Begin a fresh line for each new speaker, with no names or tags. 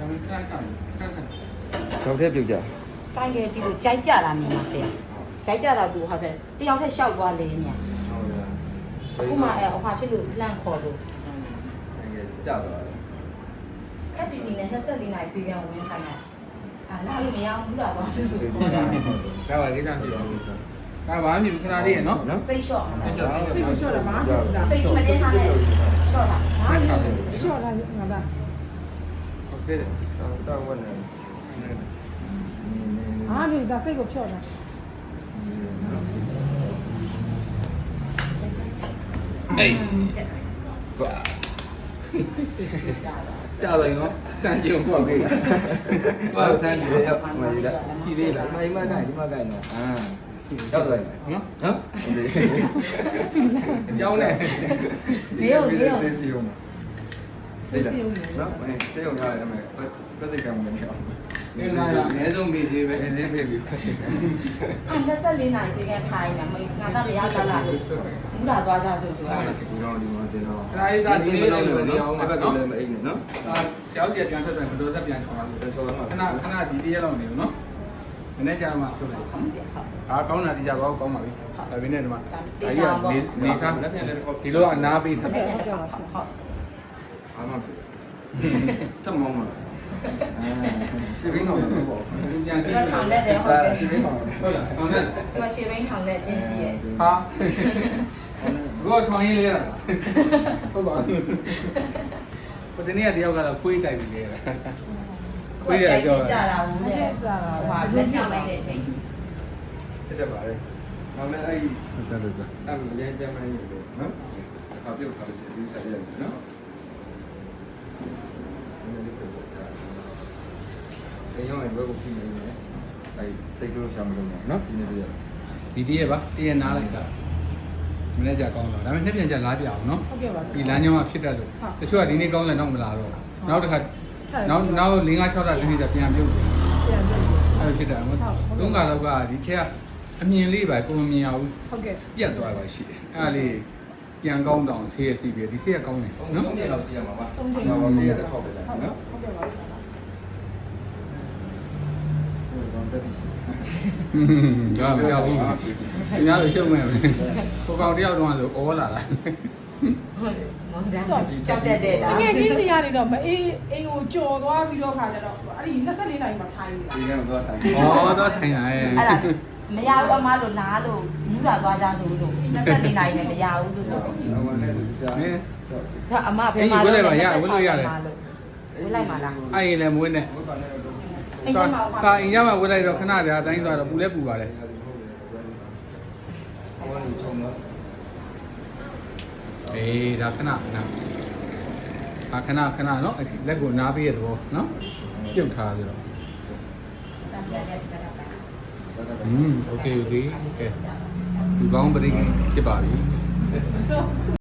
ကျောင်းထဲပြုတ်ကြ
ဆိုင်ကဒီလိုကြိုက်ကြတာမြန်မာဆရာကြိုက်ကြတာသူဟုတ်တယ်တယောက်တည်းရှောက်သွားလေမြန်
ဟုတ်လား
အခုမှအဖွာဖြစ်လို့လန့်ခေါ်လို့
အဲ့ကြသွားတယ်
ခက်တီတီနဲ့24နိုင်စီကံဝင်ခိုင်းတာလာလို့မရဘူးလားသွားစစ်စစ်ခေါ်တာ
ဒါပါကိစ္စဖြစ်ပါဘူးဒါဘာမှမဖြစ်ခဏလေးရနော်
စိတ်လျှော့စိတ်
စိတ်ကိုလျှော့တာပါ
စိတ်မတင်းထားနဲ့လျှော့တာ
ဟာလျှော့တာငါပါ
โอเค
တောင်းဝင်နေ
ဟာဒီဒါစိတ်ကိုဖြော့တာ
အေးကွာကြာတယ်နော်စမ်းကြည့်ပေါ့ကိဘာစမ်းကြည့်
ရောက်မှရတာ
ရှိသေးလား
ဒီမှာကိုင်နော်ရောက်သွားတယ်
နော်
နော်
အကြောင်းနဲ့
နေရောနေရော
စေးစီယုံနော်စေးယုံထားတယ်မယ်ပတ်စိတ်ကံမနေအောင်
နေလာတာအနည်းဆုံးပြီးသေးပဲ
နေသေးပြီဖတ်ရှင်
24နိုင်စီကံထိုင်နေငါတော့မရလာလားဘူးလားသွားကြဆိုဆိုတာ
ဒီတော့ဒီမှာတင်တော့
ခဏလေးသာဒီလေးလေးလို့နေအောင်ပါ
အဲ့ဘက်
နော်
လည်းမအိမ်နဲ့နော်
ဆရာကြီးပြန်ထွက်တယ်မတော်သက်ပြန်ချောင်းလာလို့
တချို့တော့
ခဏဒီတရက်လောက်နေနော်မနေ့ကျမှထုတ်လိုက်
ဟုတ်ဆရာဟုတ်
။အားကောင်းတာဒီကြပါကောင်းပါပြီ။ဒါပေမဲ့ဒီမှာနေစား
လက်ပြန်လည်းတော့
ဒီလိုအနာပေးထား
ဟုတ်ဟုတ်ဟုတ်ဟုတ်
အားမဖြစ်တမောင်းမလားရှင်းဘင်းတော့ပေါ့
။ဒီပြန်
ဒီကထောင်တဲ့တယ်ဟုတ်တယ်
ရှင်းဘင်းတော့
ဟုတ်လား။ကောင်းတယ်
ဒီမှာရှေ့ဘင်းထောင်တဲ့ကျင်းရှိရဲ့
။ဟာ။ဘောထောင်ရင်းလေးရတာ။ဟုတ်ပါဘူး။ဟိုတနေ့ကတယောက်ကတော့ခွေးတိုက်ပြီးလေ။ခွေးရကြော
ကြတာဘူးတဲ့
ကြာတာ
ဟိုဟာလက်ပြလိုက်တဲ့အချိန်
တက်ပါလေနောက်လည်းအဲ့
ဟုတ်တယ်လို့
အမ်လျန်ကျမ်းမနေလို့နော်အခါပြုတ်ခါလို့ဒီစားရတယ်နော်ဒီရောင်းရင်ဘယ်ကိုပြင်နေလဲအဲ့တိတ်လို့ရှာမလို့နော်ဒီနေ့တည်း
ဒီတရက်ပါတရက်နားလိုက်တာမနေ့ကျကောင်းတော့ဒါပေမဲ့နှစ်ပြန်ကျလာပြအောင်နော်
ဟုတ်ကဲ့ပါ
ဒီလမ်းကြောင်းကဖြစ်တတ်လို့တချို့ကဒီနေ့ကောင်းတယ်တော့မလာတော့နောက်တစ်ခါနောက်5 6လဒီနေ့ကျပြန်ပြုတ်တယ်
ပြန်ပြန်
အဲ့လိုဖြစ်တာမဟုတ်သုံးကတော့ကဒီထက်အမြင်လေးပဲပုံမမြင်ရဘူး
ဟုတ်ကဲ့
ပြတ်သွားပါရှိတယ်အဲ့ဒါလေးပြန်ကောင်းတောင်ဆေးရစီပြီးဒီဆေးကကောင်းတယ်နော်
3ရက်လောက်စီးရမှာပါကျွန်တော်နေ့ရက်တော့ပဲလားနော်
ဟုတ်ကဲ့ပါဆရာ
ဟုတ်တော့တက်ပြီ
ဒါမပြောဘူးခင်ဗျားတို့ရှုံးမယ်ကိုကောင်တယောက်တော့ဆိုဩလာတာ
ဟုတ်တယ်မောင်ကြကြောက်တတ်တဲ့တာ
ငယ်ချင်းစီကနေတော့မအေးအိမ်ကိုကြော်သွားပြီးတော့ခါကြတော့အဲ့ဒီ24နိုင်မှာထိုင်နေတာ
စီကတော့တိုင်း
ဩတော့ထိုင်လာရဲ့
အဲ့ဒါမရဘူးအမလို့လားလို့မူးလာသွားကြဆိုလို့24နိုင်နဲ့မရဘူးလို့ဆိုတော့
တော့ဝင်နေကြ
ဟဲ့
ဒါအမဘယ်မှာဝလိုက်မှာလား
အဲ့ရင်လည်းမွေးနဲ့
ဘုရားနဲ့တော့
အိမ်ထဲမှာ
ကာအင်ရမှာဝေးလိုက်တော့ခဏတည်းအတိုင်းသွားတော့ပူလဲပူပါတယ်
ဟိုကနေချုံတော့
အေးဒါခဏခဏနော်လက်ကိုနားပေးရတော့နော်ပြုတ်ထားပြီးတော့โอเคโอเคဒီကောင်းပရိဖြစ်ပါပြီ